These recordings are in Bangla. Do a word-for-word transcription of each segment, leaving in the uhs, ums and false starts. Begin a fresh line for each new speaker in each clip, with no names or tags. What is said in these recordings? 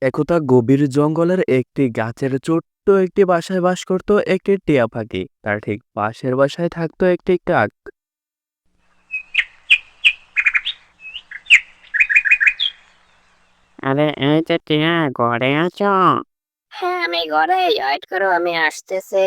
একদা গভীর জঙ্গলের একটি গাছের ছোট্ট একটি বাসায় বাস করত একটি টিয়া পাখি। তার ঠিক পাশের বাসায় থাকতো একটি কাক।
আরে এই যে টিয়া, ঘরে আছো?
হ্যাঁ, আমি ঘরে। ওয়েট করো, আমি আসতেছি।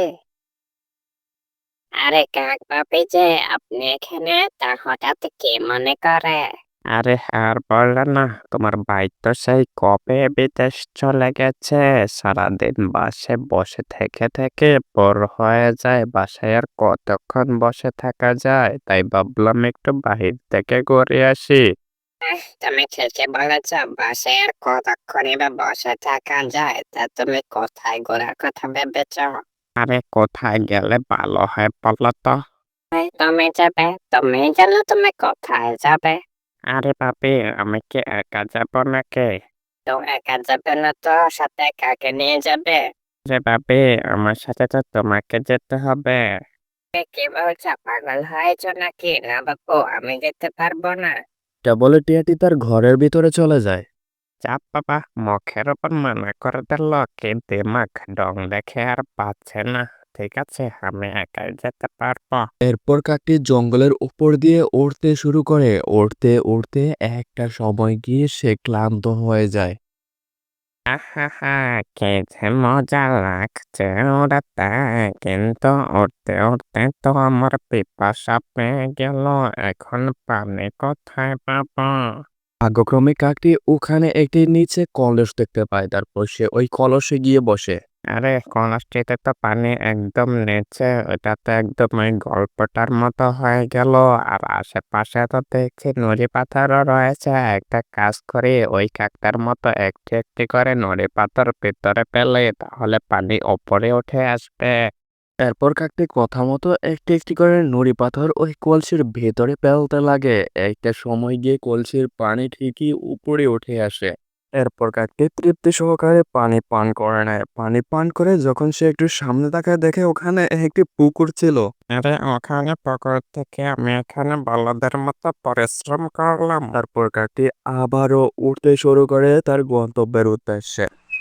আরে কাক বাপি যে, আপনি এখানে তা হঠাৎ কি মনে করে?
আরে আর বললে না, তোমার ভাই তো সেই কবে বিদেশ চলে গেছে। সারাদিন বাসে বসে থেকে থেকে বোর হয়ে যায়। বাসায় আর কতক্ষণ বসে থাকা যায়, তাই ভাবলাম একটু বাহির থেকে ঘুরে আসি।
আহ, তুমি ঠিকই বলেছ, বাসায় আর কতক্ষণই বা বসে থাকা যায়। তা তুমি কোথায় ঘোরার কথা ভেবেছ?
আরে কোথায় গেলে ভালো হয় বলো তো?
এই, তুমি যাবে, তুমি জানো তুমি কোথায় যাবে?
আরে বাপি, আমি কি একা যাবো নাকি?
তো একা যাবে না তো, সাথে কাকে নিয়ে যাবে?
আরে বাপি, আমার সাথে তো তোমাকে যেতে হবে।
এ, কি বলছো, পাগল হয়েছ নাকি? না বাপু, আমি যেতে পারবো না।
এটা বলে টিয়াটি তার ঘরের ভিতরে চলে যায়।
চাপ বাবা, মুখের ওপর মানা করে দিল, কি দিমাগ ডং দেখে আর পাচ্ছে না। ঠিক আছে, আমি একাই যেতে পারবো।
এরপর কাকটি জঙ্গলের উপর দিয়ে উড়তে শুরু করে। উড়তে উড়তে একটা সময় গিয়ে সে ক্লান্ত হয়ে যায়।
আহা, কি যে মজা লাগছে উড়াতে। কিন্তু উড়তে উড়তে তো আমার পিপাসা পেয়ে গেল। এখন পানি কোথায় পাবো?
ভাগ্যক্রমে কাকটি ওখানে একটি নিচে কলস দেখতে পায়। তারপর সে ওই কলসে গিয়ে বসে।
আরে কলসটিতে তো পানি একদম নিচে, ওটা তো একদম ওই গল্পটার মতো হয়ে গেল। আর আশেপাশে তো দেখছি নুড়ি পাথরও রয়েছে। একটা কাজ করি, ওই কাকটার মতো একটি একটি করে নুড়ি পাথর ভিতরে পেলে তাহলে পানি ওপরে উঠে আসবে।
এরপর কাকটি কথা মতো একটি একটি করে নুড়ি পাথর ওই কলসির ভেতরে ফেলতে লাগে। একটা সময় গিয়ে কলসির পানি ঠিকই উপরে উঠে আসে। এরপর কাকটি তৃপ্তি সহকারে পানি পান করে নেয়। পানি পান করে যখন সে একটু সামনে তাকায়, দেখে ওখানে একটি পুকুর ছিল।
আরে ওখানে পুকুর থেকে আমি এখানে বলদের মতো পরিশ্রম করলাম।
তারপর কাকটি আবারও উঠতে শুরু করে তার গন্তব্যের উদ্দেশ্যে।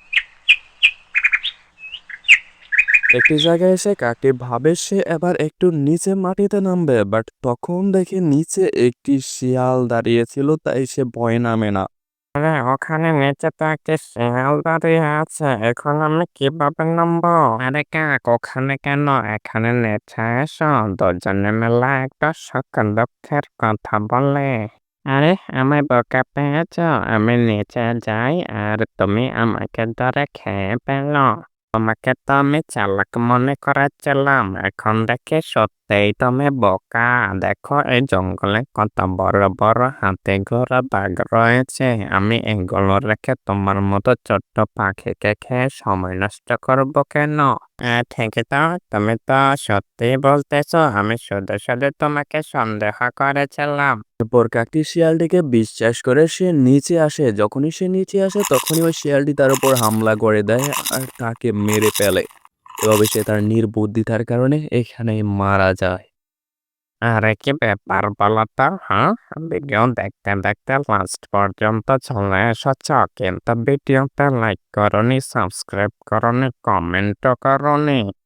একটি জায়গায় এসে কাকটি ভাবে সে এবার একটু নিচে মাটিতে নামবে, বাট তখন দেখে নিচে একটি শিয়াল দাঁড়িয়েছিল, তাই সে ভয়ে নামে না।
আরে ওখানে নিচে তো একটা শিয়াল দাঁড়িয়ে আছে, এখন আমি কিভাবে নামবো? আরে কাক, ওখানে কেন, এখানে নিচে এসো। দুজনে মিলে একটা সুখ দুঃখের কথা বলে। আরে আমায় বোকা পেয়েছ? আমি নিচে যাই আর তুমি আমাকে ধরে খেয়ে ফেলো। তোমাকে তো আমি চালাক মনে করেছিলাম, এখন দেখি সত্যিই তুমি বোকা। দেখো এই জঙ্গলে কত বড় বড় হাতি ঘোড়া বাঘ রয়েছে। আমি এগুলো রেখে তোমার মতো ছোট্ট পাখিকে খেয়ে সময় নষ্ট করবো কেন? আহ, ঠিকই তো, তুমি তো সত্যি বলতেছো, আমি শুধু শুধু তোমাকে সন্দেহ করেছিলাম।
এরপর কাকটি শিয়ালটিকে বিশ্বাস করে সে নিচে আসে। যখনই সে নিচে আসে তখনই ওই শিয়ালটি তার উপর হামলা করে দেয় আর তাকে মেরে ফেলে। এভাবে সে তার নির্বুদ্ধিতার কারণে এখানেই মারা যায়।
আরে কি ব্যাপার বলো তো? হ্যাঁ, ভিডিও দেখতে দেখতে লাস্ট পর্যন্ত চলে এসেছ, কিন্তু ভিডিওতে লাইক করনি, সাবস্ক্রাইব করনি, কমেন্টও করনি।